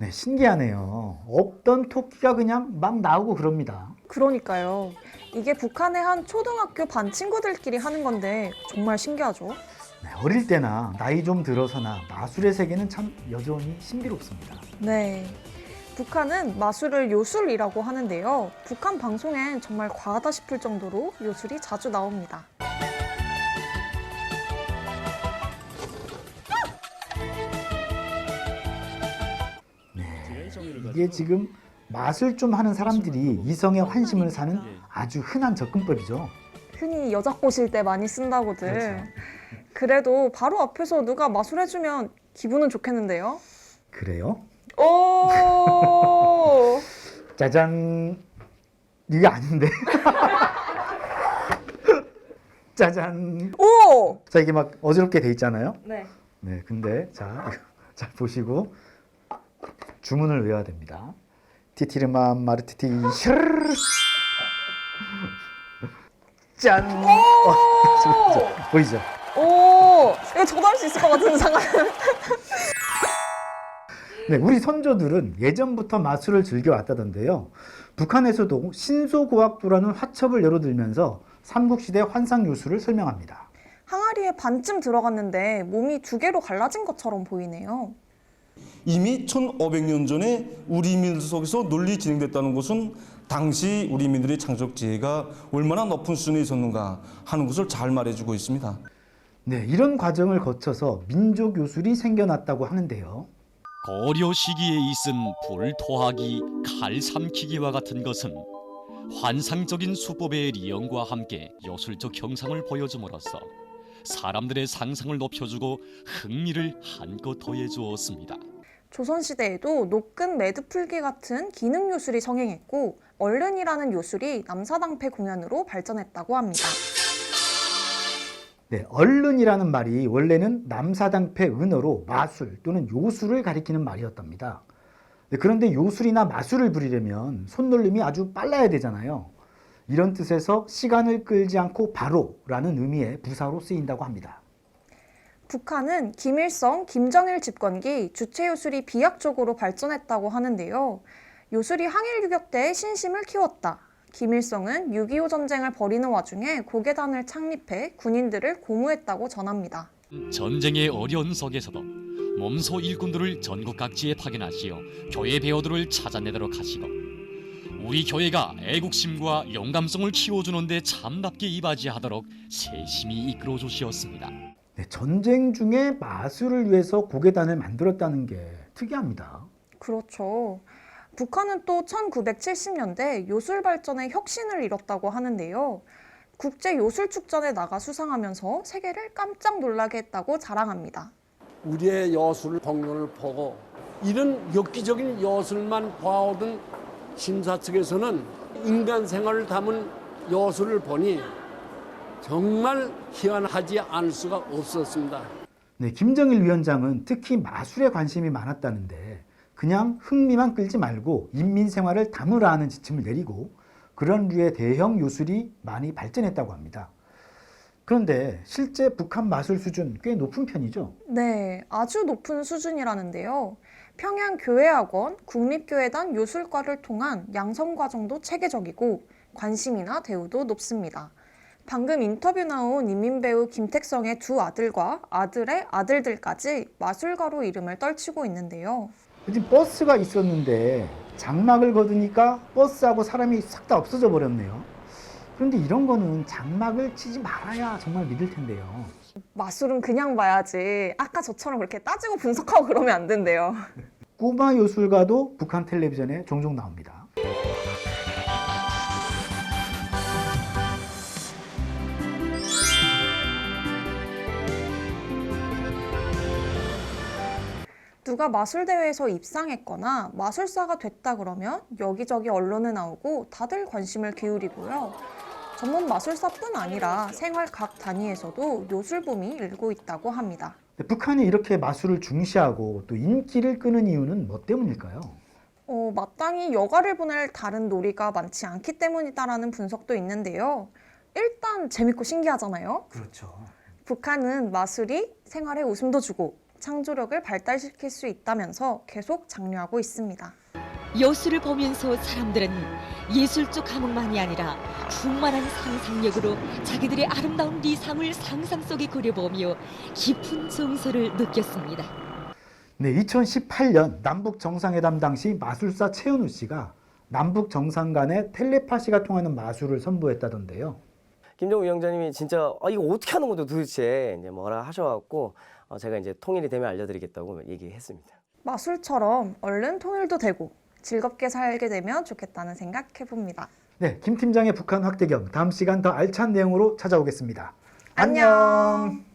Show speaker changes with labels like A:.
A: 네, 신기하네요. 없던 토끼가 그냥 막 나오고 그럽니다.
B: 그러니까요. 이게 북한의 한 초등학교 반 친구들끼리 하는 건데 정말 신기하죠?
A: 네, 어릴 때나 나이 좀 들어서나 마술의 세계는 참 여전히 신비롭습니다.
B: 네. 북한은 마술을 요술이라고 하는데요. 북한 방송엔 정말 과하다 싶을 정도로 요술이 자주 나옵니다.
A: 이게 지금 마술 좀 하는 사람들이 이성의 환심을 사는 아주 흔한 접근법이죠.
B: 흔히 여자 꼬실 때 많이 쓴다고들.
A: 그렇죠.
B: 그래도 바로 앞에서 누가 마술해주면 기분은 좋겠는데요?
A: 그래요?
B: 오!
A: 짜잔. 이게 아닌데. 짜잔.
B: 오!
A: 자, 이게 막 어지럽게 돼 있잖아요.
B: 네.
A: 네, 근데 자 보시고 주문을 외워야 됩니다. 티티르마 마르티티 슈르르 짠. 보이죠?
B: 오! 이거 저도 할 수 있을 것 같은 상황.
A: 네, 우리 선조들은 예전부터 마술을 즐겨왔다던데요. 북한에서도 신소고학도라는 화첩을 열어들면서 삼국시대 환상요술을 설명합니다.
B: 항아리에 반쯤 들어갔는데 몸이 두 개로 갈라진 것처럼 보이네요.
C: 이미 1500년 전에 우리 민들 속에서 논리 진행됐다는 것은 당시 우리 민들의 창작 지혜가 얼마나 높은 수준에 있었는가 하는 것을 잘 말해주고 있습니다.
A: 네, 이런 과정을 거쳐서 민족 요술이 생겨났다고 하는데요.
D: 고려 시기에 있은 불토하기, 칼 삼키기와 같은 것은 환상적인 수법의 리언과 함께 요술적 형상을 보여줌으로써 사람들의 상상을 높여주고 흥미를 한껏 더해주었습니다.
B: 조선시대에도 노끈 매듭풀기 같은 기능 요술이 성행했고 얼른이라는 요술이 남사당패 공연으로 발전했다고 합니다.
A: 네, 얼른이라는 말이 원래는 남사당패 은어로 마술 또는 요술을 가리키는 말이었답니다. 네, 그런데 요술이나 마술을 부리려면 손놀림이 아주 빨라야 되잖아요. 이런 뜻에서 시간을 끌지 않고 바로라는 의미의 부사로 쓰인다고 합니다.
B: 북한은 김일성, 김정일 집권기 주체 요술이 비약적으로 발전했다고 하는데요. 요술이 항일 유격 때 신심을 키웠다. 김일성은 6.25 전쟁을 벌이는 와중에 고개단을 창립해 군인들을 고무했다고 전합니다.
D: 전쟁의 어려운 속에서도 몸소 일꾼들을 전국 각지에 파견하시어 교회 배우들을 찾아내도록 하시고 우리 교회가 애국심과 영감성을 키워주는 데 참답게 이바지하도록 세심히 이끌어 주시었습니다.
A: 네, 전쟁 중에 마술을 위해서 고개단을 만들었다는 게 특이합니다.
B: 그렇죠. 북한은 또 1970년대 요술 발전에 혁신을 이뤘다고 하는데요. 국제 요술축전에 나가 수상하면서 세계를 깜짝 놀라게 했다고 자랑합니다.
E: 우리의 여술 공연을 보고 이런 엽기적인 여술만 봐오던 심사 측에서는 인간 생활을 담은 여술을 보니 정말 희한하지 않을 수가 없었습니다.
A: 네, 김정일 위원장은 특히 마술에 관심이 많았다는데 그냥 흥미만 끌지 말고 인민 생활을 담으라는 지침을 내리고 그런 류의 대형 요술이 많이 발전했다고 합니다. 그런데 실제 북한 마술 수준 꽤 높은 편이죠?
B: 네, 아주 높은 수준이라는데요. 평양교회학원, 국립교회단 요술과를 통한 양성과정도 체계적이고 관심이나 대우도 높습니다. 방금 인터뷰 나온 인민배우 김택성의 두 아들과 아들의 아들들까지 마술가로 이름을 떨치고 있는데요.
A: 지금 버스가 있었는데 장막을 걷으니까 버스하고 사람이 싹 다 없어져 버렸네요. 그런데 이런 거는 장막을 치지 말아야 정말 믿을 텐데요.
B: 마술은 그냥 봐야지. 아까 저처럼 그렇게 따지고 분석하고 그러면 안 된대요.
A: 꼬마 요술가도 북한 텔레비전에 종종 나옵니다.
B: 누가 마술대회에서 입상했거나 마술사가 됐다 그러면 여기저기 언론에 나오고 다들 관심을 기울이고요. 전문 마술사뿐 아니라 생활 각 단위에서도 요술붐이 일고 있다고 합니다.
A: 북한이 이렇게 마술을 중시하고 또 인기를 끄는 이유는 뭐 때문일까요?
B: 마땅히 여가를 보낼 다른 놀이가 많지 않기 때문이다라는 분석도 있는데요. 일단 재밌고 신기하잖아요.
A: 그렇죠.
B: 북한은 마술이 생활에 웃음도 주고 창조력을 발달시킬 수 있다면서 계속 장려하고 있습니다.
F: 여수를 보면서 사람들은 예술적 감흥만이 아니라 충만한 상상력으로 자기들의 아름다운 리상을 상상 속에 그려보며 깊은 정서를 느꼈습니다.
A: 네, 2018년 남북 정상회담 당시 마술사 최은우 씨가 남북 정상 간의 텔레파시가 통하는 마술을 선보였다던데요.
G: 김정우 위원장님이 진짜 이거 어떻게 하는 건데 도대체 이제 뭐라 하셔갖고 제가 이제 통일이 되면 알려드리겠다고 얘기했습니다.
B: 마술처럼 얼른 통일도 되고 즐겁게 살게 되면 좋겠다는 생각해봅니다.
A: 네, 김 팀장의 북한 확대경 다음 시간 더 알찬 내용으로 찾아오겠습니다.
B: 안녕.